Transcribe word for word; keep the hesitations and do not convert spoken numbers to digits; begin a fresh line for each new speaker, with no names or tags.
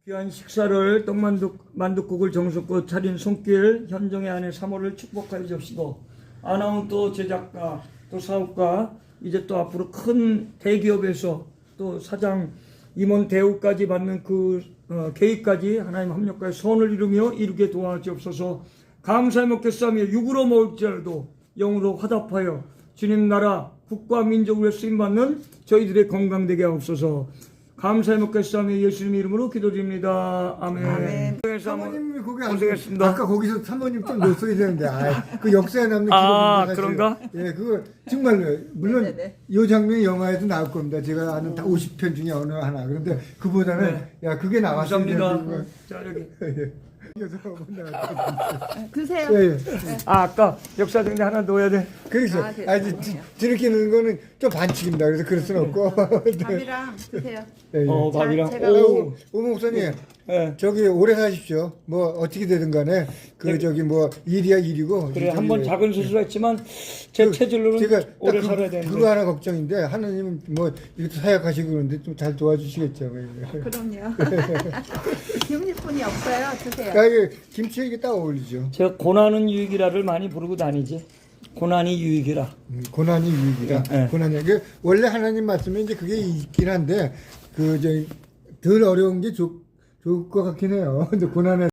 귀한 식사를 떡만두 만둣국을 정성껏 차린 손길 현정의 아내 사모를 축복하여 주시고 아나운 또 제작가 또 사업가 이제 또 앞으로 큰 대기업에서 또 사장 임원 대우까지 받는 그 어, 계획까지 하나님 합력하여 선을 이루며 이루게 도와주옵소서. 감사히 먹겠사며 육으로 먹을지라도 영으로 화답하여 주님 나라 국가 민족을 위해 쓰임받는 저희들의 건강 되게 하옵소서. 감사히 먹겠사며 예수님 이름으로 기도드립니다. 아멘.
아멘.
사모님 거기 안
고생했습니다.
아까 거기서 사모님 좀 넣었어야 되는데 아, 그 역사에 남는 기록입니다.
아,
사실.
그런가?
예, 그거 정말로 물론
네네네.
이 장면이 영화에도 나올 겁니다. 제가 아는 다 오십 편 중에 어느 하나. 그런데 그보다는
네.
야 그게 나왔어야
감사합니다.
되는
자 여기.
그래서 못 나왔거든요.
드세요.
예, 예.
아 아까 역사정리 하나 넣어야 돼.
그래서
아,
아,
됐어요.
이 저렇게 넣는 거는 좀 반칙입니다. 그래서 그럴 수는 없고. 네.
밥이랑 드세요.
예, 예.
어 밥이랑.
제가
오.
오 목사님,
예.
저기 오래 사십시오. 뭐 어떻게 되든 간에 그
네.
저기 뭐 일이야 일이고.
그래
저기
한번 작은 수술했지만 제 체질로는
제가 딱
오래
그,
살아야 되는데.
그거 하나 걱정인데 하나님은 뭐 이것도 사역하시고 그러는데 좀 잘 도와주시겠죠.
그럼요. 기운일뿐이 없어요. 드세요.
야, 이게 김치에 이게 딱 어울리죠.
제가 고난은 유익이라를 많이 부르고 다니지. 고난이 유익이라.
음, 고난이 유익이다.
네.
고난이 그 원래 하나님 말씀에 이제 그게 있긴 한데 그 저 덜 어려운 게 좋, 좋을 것 같긴 해요. 근데 고난에